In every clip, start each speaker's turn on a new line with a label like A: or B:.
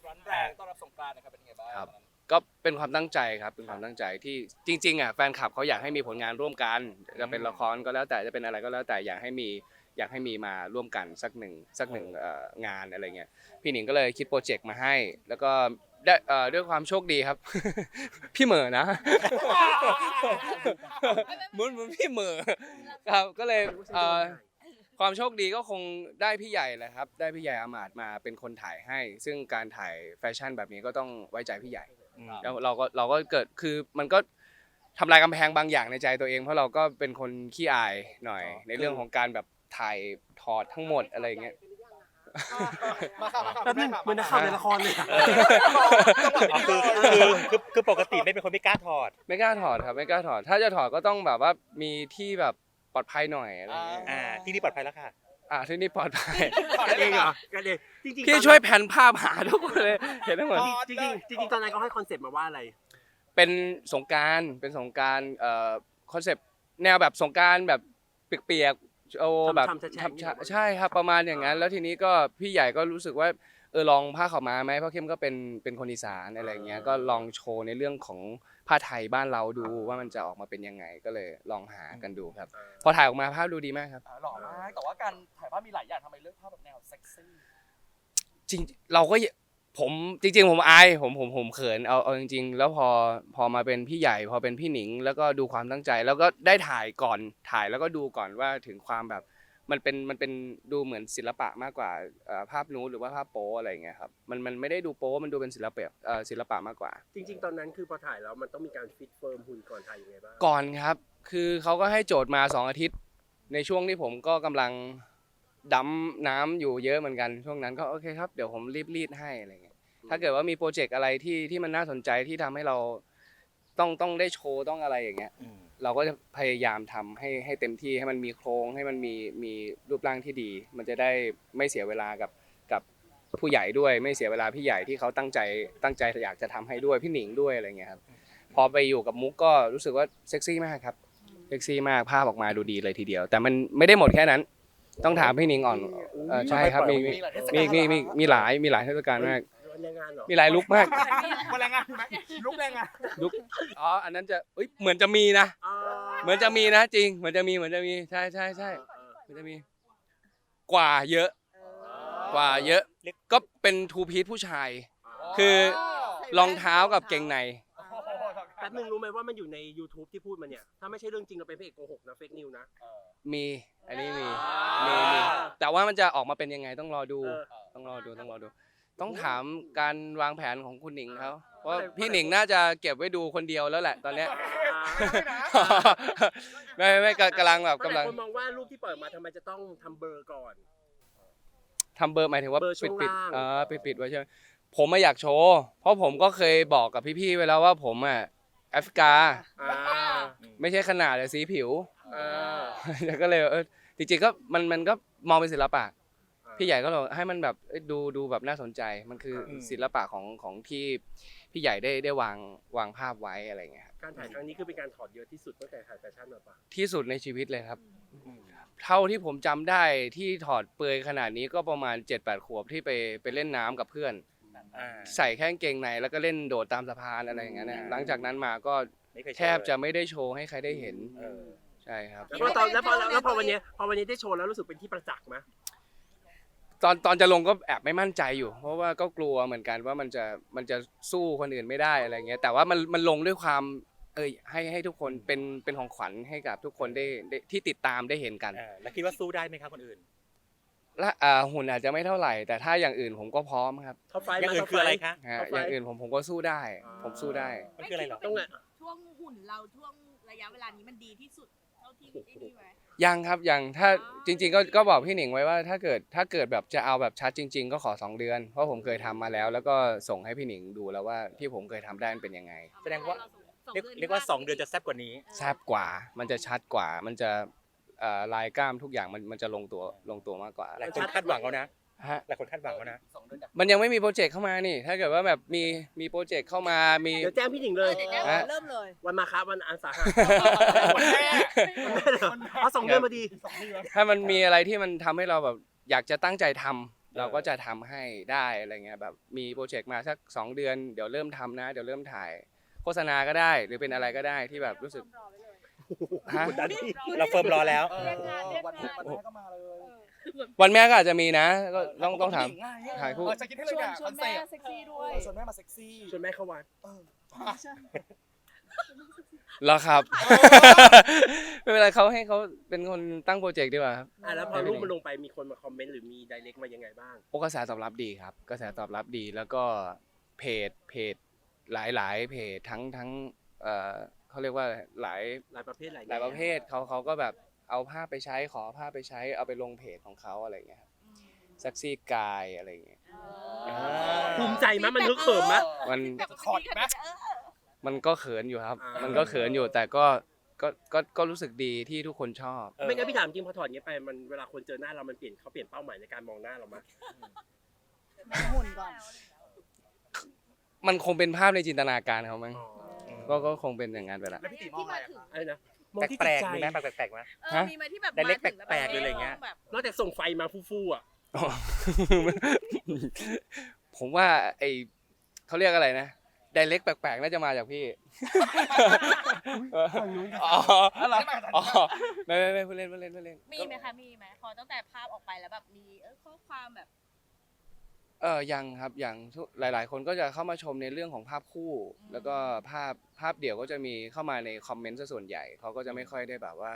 A: ร้อนแรงต้อนรับสงกรานต์นะครับเป็นยังไงบ้าง
B: ครับก็เป็นความตั้งใจครับเป็นความตั้งใจที่จริงๆอ่ะแฟนคลับเขาอยากให้มีผลงานร่วมกันจะเป็นละครก็แล้วแต่จะเป็นอะไรก็แล้วแต่อยากให้มีมาร่วมกันสักหนึ่งงานอะไรเงี้ยพี่หนิงก็เลยคิดโปรเจกต์มาให้แล้วก็ได้ด้วยความโชคดีครับ พี่เหมอนะ เหมือนพี่เหมอครับก็เลยความโชคดีก็คงได้พี่ใหญ่แหละครับได้พี่ใหญ่อามาตย์มาเป็นคนถ่ายให้ ซึ่งการถ่ายแฟชั่นแบบนี้ก็ต้องไว้ใจพี่ใหญ่แล้วเราก็เกิดคือมันก็ทำลายกำแพงบางอย่างในใจตัวเองเพราะเราก็เป็นคนขี้อายหน่อยในเรื่องของการแบบถ่ายถอดทั้งหมดอะไรอย่างเงี้ย
C: แป๊บนึงเหมือนนักข่าวในละครเลย
D: คือปกติไม่เป็นคนไม่กล้าถอด
B: ไม่กล้าถอดครับไม่กล้าถอดถ้าจะถอดก็ต้องแบบว่ามีที่แบบปลอดภัยหน่อยอะไรเงี้ย
D: ที่นี่ปลอดภัยแล้วค่ะ
B: ที่นี่ปลอดภัย
C: กันเองเหรอกันเองจริงๆ
B: พี่ช่วยแผนภาพหาทุกคนเลยเห็นทั้งหมด
C: จริงๆตอนนั้นเขาให้คอนเซ็ปต์มาว่าอะไร
B: เป็นสงกรานต์คอนเซปต์แนวแบบสงกรานต์แบบเปียกๆโอ้แบบใช่ครับประมาณอย่างนั้นแล้วทีนี้ก็พี่ใหญ่ก็รู้สึกว่าลองผ้าขาวม้าไหมเพราะเข้มก็เป็นคนอีสานอะไรเงี้ยก็ลองโชว์ในเรื่องของผ้าไทยบ้านเราดูว่ามันจะออกมาเป็นยังไงก็เลยลองหากันดูครับพอถ่ายออกมาภาพดูดีมากครับ
A: หล่อมากแต่ว่าการถ่ายภาพมีหลายอย่างทำไมเลือกภาพแบบแนวเซ็กซี่
B: จริงเราก็ผมจริงๆผมอายผมเขินเอาจริงๆแล้วพอมาเป็นพี่ใหญ่พอเป็นพี่หนิงแล้วก็ดูความตั้งใจแล้วก็ได้ถ่ายก่อนถ่ายแล้วก็ดูก่อนว่าถึงความแบบมันเป็นดูเหมือนศิลปะมากกว่าภาพนูดหรือว่าภาพโป๊อะไรอย่างเงี้ยครับมันไม่ได้ดูโป๊มันดูเป็นศิลปะมากกว่า
C: จริงๆตอนนั้นคือพอถ่ายแล้วมันต้องมีการฟิตเฟิร์มหุ่นก่อนถ่ายยังไงบ้าง
B: ก่อนครับคือเขาก็ให้โจทย์มา2 อาทิตย์ในช่วงที่ผมก็กำลังดำน้ำอยู่เยอะเหมือนกันช่วงนั้นก็โอเคครับเดี๋ยวผมรีดให้อะไรเงี้ยถ้าเกิดว่ามีโปรเจกต์อะไรที่มันน่าสนใจที่ทำให้เราต้องได้โชว์ต้องอะไรอย่างเงี้ยเราก็จะพยายามทำให้เต็มที่ให้มันมีโครงให้มันมีรูปร่างที่ดี มันจะได้ไม่เสียเวลากับผู้ใหญ่ด้วยไม่เสียเวลาพี่ใหญ่ที่เขาตั้งใจอยากจะทำให้ด้วยพี่หนิงด้วยอะไรเงี้ยครับพอไปอยู่กับมุกก็รู้สึกว่าเซ็กซี่มากครับเซ็กซี่มากภาพออกมาดูดีเลยทีเดียวแต่มันไม่ได้หมดแค่นั้นต้องถามพี่หนิงอ่อนใช่ครับมีหลายเทศกาลมากมีหลายลุคมาก
A: แรงงานไหมลุกแรงงาน
B: ลุคอันนั้นจะเหมือนจะมีนะเหมือนจะมีนะจริงเหมือนจะมีใช่เหมือนจะมีกว่าเยอะก็เป็นทูพีซผู้ชายคือรองเท้ากับเกงใน
C: แป๊บนึงรู้ไหมว่ามันอยู่ใน YouTube ที่พูดมาเนี่ยถ้าไม่ใช่เรื่องจริงเราเป็นพระเอกโกหกนะเฟกนิวนะ
B: มีอันนี้มีแต่ว่ามันจะออกมาเป็นยังไงต้องรอดูต้องถามการวางแผนของคุณหนิงเขาเพราะพี่หนิงน่าจะเก็บไว้ดูคนเดียวแล้วแหละตอนเนี้ยไม่กำลัง
C: คนมองว่ารูปที่เปิดมาทำไมจะต้องทำเบอร์ก่อน
B: ทำเบอร์หมายถึงว่าปิดไว้ใช่ไหมผมไม่อยากโชว์เพราะผมก็เคยบอกกับพี่ๆไว้แล้วว่าผมแอฟริกาไม่ใช่ขนาดแต่สีผิวก็เลยจริงๆก็มันก็มองเป็นศิลปะพี่ใหญ่ก็เลยให้มันแบบดูแบบน่าสนใจมันคือศิลปะของที่พี่ใหญ่ได้วางภาพไว้อะไรเงี้ย
C: การถ่ายครั้งนี้คือเป็นการถอดเยอะที่สุดตั้งแต่ถ่ายแฟชั่นมาปะ
B: ที่สุดในชีวิตเลยครับเท่าที่ผมจำได้ที่ถอดเปลือยขนาดนี้ก็ประมาณ 7-8 ขวบที่ไปเล่นน้ำกับเพื่อนใส่แค่กางเกงในแล้วก็เล่นโดดตามสะพานอะไรอย่างเงี้ยหลังจากนั้นมาก็แทบจะไม่ได้โชว์ให้ใครได้เห็นใช่ครับ
C: แล้วพอวันนี้ได้โชว์แล้วรู้สึกเป็นที่ประจักษ์ไหม
B: ตอนจะลงก็แอบไม่มั่นใจอยู่เพราะว่าก็กลัวเหมือนกันว่ามันจะสู้คนอื่นไม่ได้อะไรเงี้ยแต่ว่ามันลงด้วยความให้ทุกคนเป็นของขวัญให้กับทุกคนได้ที่ติดตามได้เห็นกัน
D: แล้วคิดว่าสู้ได้ไหมครับคนอื่น
B: และหุ่นอาจจะไม่เท่าไหร่แต่ถ้าอย่างอื่นผมก็พร้อมครับ
D: อย่างอื่นคืออะไรคะ
B: อย่างอื่นผมก็สู้ได้ผมสู้ได้
D: มันคืออะไรหรอ
E: ช่วงหุ่นเราช่วงระยะเวลานี้มันดีที่สุดเท่าที่ได้ไหม
B: ยังครับยังถ้าจริงๆก็บอกพี่หนิงไว้ว่าถ้าเกิดแบบจะเอาแบบชัดจริงๆก็ขอ2 เดือนเพราะผมเคยทำมาแล้วก็ส่งให้พี่หนิงดูแล้วว่าที่ผมเคยทำได้เป็นยังไง
D: แสดงว่าเรียกว่า2 เดือนจะแซ่บกว่านี้
B: แซ่บกว่ามันจะชัดกว่ามันจะลายกล้ามทุกอย่างมันจะลงตัวมากกว่า
D: หลายคนคาดหวังแล้วนะหลายคนคาดหวังแล้วนะ
B: มันยังไม่มีโปรเจกต์เข้ามานี่ถ้าเกิดว่าแบบมีโปรเจกต์เข้ามามี
C: เดี๋ยวแจ้งพี่หนิงเลย
E: เริ่มเลย
C: วันมาครับวันอาสาฬหะเอา2 เดือนมาดี
B: ถ้ามันมีอะไรที่มันทำให้เราแบบอยากจะตั้งใจทเราก็จะทำให้ได้อะไรเงี้ยแบบมีโปรเจกต์มาสัก2 เดือนเดี๋ยวเริ่มทำนะเดี๋ยวเริ่มถ่ายโฆษณาก็ได้หรือเป็นอะไรก็ได้ที่แบบรู้สึกฮะ
D: กดดันเราเฟิร์มรอแล้ว
A: วันแม่ก็มาเลย
B: วันแม่ก็อาจจะมีนะก็ต้องถาม ถ่ายคู่
A: จะคิดให้เลยเนี่ยคอนเซ็ปต์
E: เซ็กซี่ด้วย
A: ชวนแม่มาเซ็กซี่
C: ชวนแม่เข้าวัด
B: แล้วครับ ไม่เป็นไรเขาให้เขาเป็นคนตั้งโปรเจกต์ดีกว่าครับ
C: แล้วพอรูปมันลงไปมีคนมาคอมเมนต์หรือมีไดเรกมายังไงบ้าง
B: โอ้กระแสตอบรับดีครับกระแสตอบรับดีแล้วก็เพจหลายเพจทั้งเขาเรียกว่าหลาย
C: ประเภทหลาย
B: ประเภทเขาก็แบบเอาภาพไปใช้ขอภาพไปใช้เอาไปลงเพจของเขาอะไรเงี้ยครับเซ็กซี่กายอะไรเงี้ย
C: ภูมิใจมั้ยมันนึกเขิมมั้ย
B: มัน
A: ถอดไหม
B: มันก็เขินอยู่ครับ
C: อ่ามั
B: มันก็เขินอยู่แต่ก็รู้สึกดีที่ทุกคนชอบ
C: ไม่งั้นพี่ถามจริงพอถอดเงี้ยไปมันเวลาคนเจอหน้าเรามันเปลี่ยนเป้าหมายในการมองหน้าเรามั้ย
E: หุ่นก่อน
B: มันคงเป็นภาพในจินตนาการเขามั้งก็คงเป็นอย่างนั้นไปละ
A: แล้วพี่ติ๋มมองอะไรอะ
C: อะไรนะมองที่
D: แปล
C: จิต
D: ก
C: ใจ
D: ๆมีไหมแปลกๆไหม
E: มีไหมที่แบบ
D: ไดเรก
E: มาถึงล้ว
D: แปลกๆหรืออะไรเงี้ย
E: แบบ
C: นอกจากส่งไฟมาฟู่ๆอ่ะ
B: อ๋อ ผมว่าเขาเรียกอะไรนะไดเรกแปลกๆน่าจะมาจากพี่อ๋อ
A: อะไร
B: อ๋อไม่พูดเล่น
E: มีไหมคะมีไหมพอตั้งแต่ภาพออกไปแล้วแบบมีข้อความแบบ
B: ยังครับยังหลายๆ คนก็จะเข้ามาชมในเรื่องของภาพคู่ แล้วก็ภาพเดี่ยวก็จะมีเข้ามาในคอมเมนต์ซะส่วนใหญ่เขาก็จะไม่ค่อยได้แบบว่า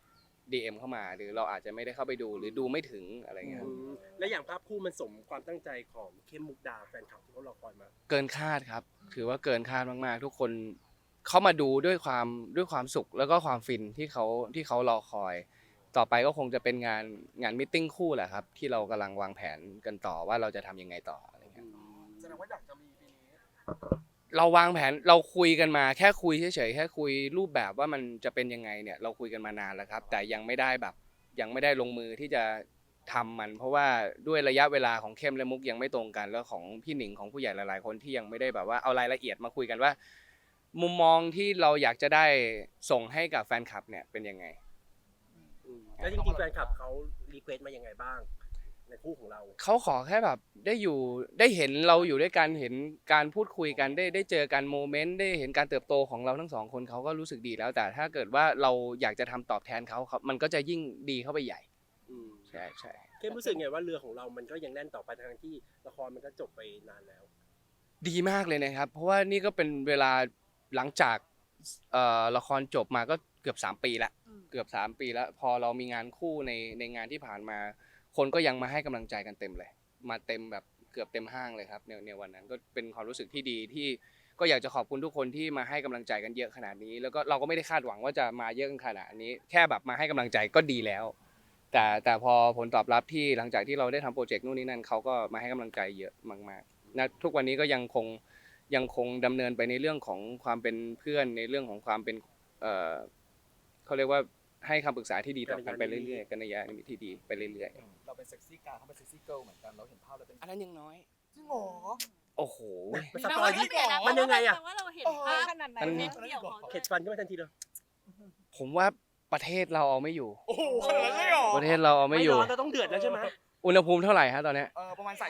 B: DM เข้ามาหรือเราอาจจะไม่ได้เข้าไปดูหรือดูไม่ถึงอะไรเงี้ยครับ
C: และอย่างภาพคู่มันสมความตั้งใจของเข้มมุกดาแฟนคลับที่เขารอคอยมา
B: เกินคาดครับถือว่าเกินคาดมากๆ ทุกคนเข้ามาดูด้วยความสุขแล้วก็ความฟินที่เขารอคอย ต่อไปก็คงจะเป็นงานมิทติ้งคู่แหละครับที่เรากำลังวางแผนกันต่อว่าเราจะทำยังไงต่ออะไรเงี้ย
A: แสดงว่าอยากจะมีปีนี้
B: เราวางแผนเราคุยกันมาแค่คุยเฉยๆแค่คุยรูปแบบว่ามันจะเป็นยังไงเนี่ยเราคุยกันมานานแล้วครับแต่ยังไม่ได้ลงมือที่จะทำมัน เพราะว่าด้วยระยะเวลาของเข้มและมุกยังไม่ตรงกันแล้วของพี่หนิงของผู้ใหญ่หลายๆคนที่ยังไม่ได้แบบว่าเอารายละเอียดมาคุยกันว่า มุมมองที่เราอยากจะได้ส่งให้กับแฟนคลับเนี่ยเป็นยังไง
C: แล้วจริงๆแฟนคลับเขารีเควสต์มายังไงบ้างในคู่ของเรา
B: เขาขอแค่แบบได้เห็นเราอยู่ด้วยกันเห็นการพูดคุยกันได้เจอกันโมเมนต์ได้เห็นการเติบโตของเราทั้งสองคนเขาก็รู้สึกดีแล้วแต่ถ้าเกิดว่าเราอยากจะทำตอบแทนเขามันก็จะยิ่งดีเข้าไปใหญ่ใช่
C: เข้มรู้สึกไงว่าเรือของเรามันก็ยังแน่นต่อไปทั้งที่ละครมันก็จบไปนานแล้ว
B: ดีมากเลยนะครับ เพราะว่านี่ก็เป็นเวลาหลังจากละครจบมาก็เกือบ3 ปีละเกือบ3 ปีแล้วพอเรามีงานคู่ในงานที่ผ่านมา คนก็ยังมาให้กำลังใจกันเต็มเลยมาเต็มแบบเกือบเต็มห้างเลยครับในวันนั้นก็เป็นความรู้สึกที่ดีที่ก็อยากจะขอบคุณทุกคนที่มาให้กำลังใจกันเยอะขนาดนี้ แล้วก็เราก็ไม่ได้คาดหวังว่าจะมาเยอะขนาดนี้แค่แบบมาให้กำลังใจก็ดีแล้ว แต่พอผลตอบรับที่หลังจากที่เราได้ทำโปรเจกต์นู่นนี่นั่นเขาก็มาให้กำลังใจเยอะมากๆนะทุกวันนี้ก็ยังคงดำเนินไปในเรื่องของความเป็นเพื่อนในเรื่องของความเป็นเขาเรียกว่าให้คำปรึกษาที่ดีต่อกันไปเรื่อยๆกันในยะที่ดีไปเรื่อยๆ
A: เราเป็นเซ็กซี่การเขาเป็นเซ็กซี่เกิร์ลเหมือนกันเราเห็นภาพแล้วเป็น
B: อันนั้นยังน้อย
A: จริงเหรอ
B: โอ้โห
C: มันสปอยที่มันยังไงอะ
E: แต่ว่าเราเห็นภาพขนาดไหน
B: มัน
E: เม็ดเดียวของ
C: เข็ดฟันขึ้นมาทันทีเลย
B: ผมว่าประเทศเราเอาไม่อยู่
A: โอ้โหขนาดนั้นเลยเหรอ
B: ประเทศเราเอาไม่อยู่
C: ร้อนเราต้องเดือดแล้วใช่ไหม
B: อุณหภูมิเท่าไหร่ฮะตอนเนี้ย
A: ประมาณ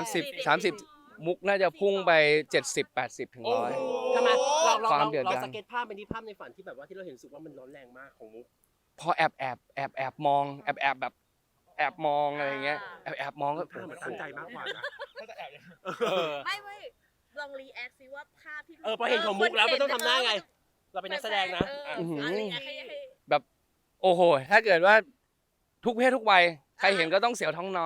B: 30มุกน่าจะพุ่งไป70-80 ถึง 100
C: ทำไมเรา
B: ความเดือด
C: เรา
B: ร้อน
C: สเก็ตภาพเป็นที่ภาพในฝันที่แบบว่าที่เราเห็นรู้สึกว่ามันร้อนแรงมากของมุก
B: พอแอบมองแบบแอบมองอะไรเงี้ยแอบมองก็
C: ภาพมันตั้งใจมากกว่านะ
A: ก็จะแอบอย่าง
E: ไม่ลองรีแอคซิว่าภาพที่
C: พอเห็นของมุกแล้วมันต้องทำหน้าไง เราเป็นนักแสดงนะ
E: รีแอคให้
B: แบบโอ้โหถ้าเกิดว่าทุกเพศทุกวัยใครเห็นก็ต้องเสียวท้องน้อย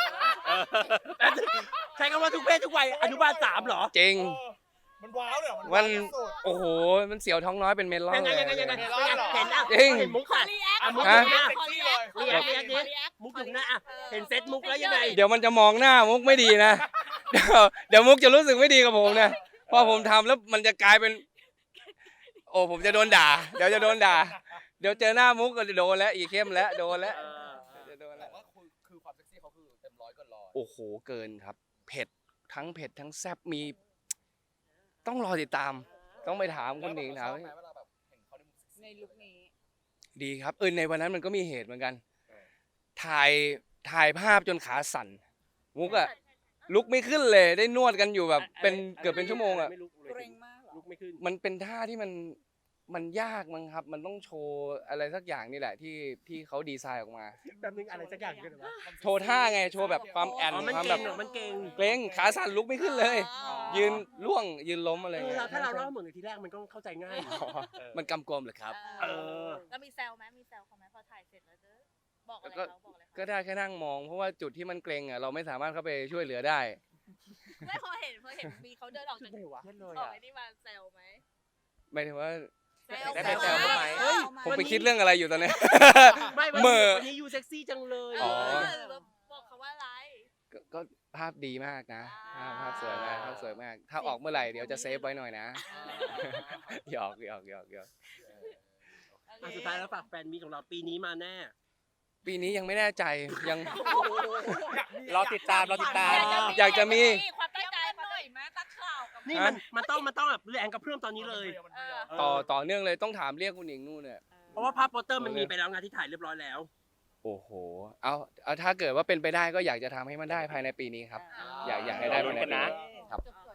C: ใช้คำว่าทุกเพศทุกวัยอนุบาล3เหรอ
B: จริง
A: มันว้าวเลย
B: มันโอ้โหมันเสียวท้องน้อยเป็นเมลอน
C: ยังไง
B: เลย
C: เห็นอ่ะ
B: จริง
C: เห็นมุก
E: ขอ
C: อ่ะ
E: รีแอค
C: มุก
E: ข
C: อ
E: อยู่
C: หน้า
E: รีแอค
C: มุกอยู่หน้าอ่ะเห็นเซตมุกแล้วยังไง
B: เดี๋ยวมันจะมองหน้ามุกไม่ดีนะ เดี๋ยวมุกจะรู้สึกไม่ดีกับผมนะพอผมทำแล้วมันจะกลายเป็น โอ้ผมจะโดนด่า เดี๋ยวจะโดนด่า เดี๋ยวเจอหน้ามุกก็จะโดนแล้วอีเข้มแล้วโดนแล้วจะโดน
A: แต่
B: แล้ว
A: ว่าคือความเซ็กซี่เขาคือเต็มร้อยเกินร้อย
B: โอ้โหเกินครับเผ็ดทั้งแซ่บมีต้องรอติดตาม ต้องไปถามคุณหนิงถาม
A: เวลาแบบเห็นเขาในมุมเซ็กซี่
E: ในลุคนี้
B: ดีครับในวันนั้นมันก็มีเหตุเหมือนกันถ่ายภาพจนขาสั่นมุกอะลุกไม่ขึ้นเลยได้นวดกันอยู่แบบเป็นเกือบเป็นชั่วโมงอะ
C: ไม่ลุกเลย
E: เกรงมากเหรอ
C: ลุกไม่ขึ้น
B: มันเป็นท่าที่มันยากมั้งครับ มันต้องโชว์อะไรสักอย่างนี่แหละที่เขาดีไซน์ออกมา
C: แบบนึงอะไรสักอย่างกันวะ
B: โชว์ท่าไงโชว์แบบความแอน
C: อ๋อมัน
B: ความ
C: เก่
B: แบ
C: ง
B: บ
C: เหรอมันเก่ง
B: เกรงขาสั่นลุกไม่ขึ้นเลย
E: อ๋อ
B: ยืนล่วงยืนล้มอะไร
C: เออ
B: เงี้ย
C: ถ้าเราเล่าเหมือนทีแรกมันก็เข้าใจง่าย
B: มันกำกวมเหรอครับ
C: เออ
E: แล้วมีแซวไหมมีแซวเขาไหมพอถ่ายเสร็จแล้วจะบอกอะไร
B: ก็
E: เขาบอกอะไรเขา
B: ก็ได้แค่นั่งมองเพราะว่าจุดที่มันเกรงอ่ะเราไม่สามารถเข้าไปช่วยเหลือได้
E: ไม่พอเห็นมีเขาเดินออกจาก
C: ไม่วะ
E: ออกไอ้นี่มาแซวไหม
B: หมายถึงว่า
D: ได้ไปแซวเขาไหม
C: เฮ้ย
B: ผมไปคิดเรื่องอะไรอยู่ตอนเนี้ย
C: ไม่วัน
B: เหม่
C: นี้
B: อ
C: วันนี้ยูเซ็กซี่จังเลย
B: อ๋อ
E: บอกเขาว่าอะไร
B: ก็ภาพดีมากนะ
E: อ่า
B: ภาพสวยมากภาพสวยมาก ถ้าออกเมื่อไหร่เดี๋ยวจะเซฟไว้หน่อยนะ หยอก
C: อ่ะสุดท้ายแล้วฝากแฟนมีของเราปีนี้มาแน่
B: ปีนี้ยังไม่แน่ใจยัง
D: รอติดตาม
B: อยากจะมี
E: ความตั้งใจหน่อยไหมตั้งข่าวกับ
C: นี่มันต้องแบบแรงกระเพื่อมตอนนี้เลย
B: ต่อเนื่องเลยต้องถามเรียกคุณหญิงนู่นเนี่ย
C: เพราะว่าภาพโปสเตอร์มันมีไปแล้วงานที่ถ่ายเรียบร้อยแล้ว
B: โอ้โหเอาถ้าเกิดว่าเป็นไปได้ก็อยากจะทำให้มันได้ภายในปีนี้ครับ อยากให้ได้ภายในปีนี้ครับ
E: จบ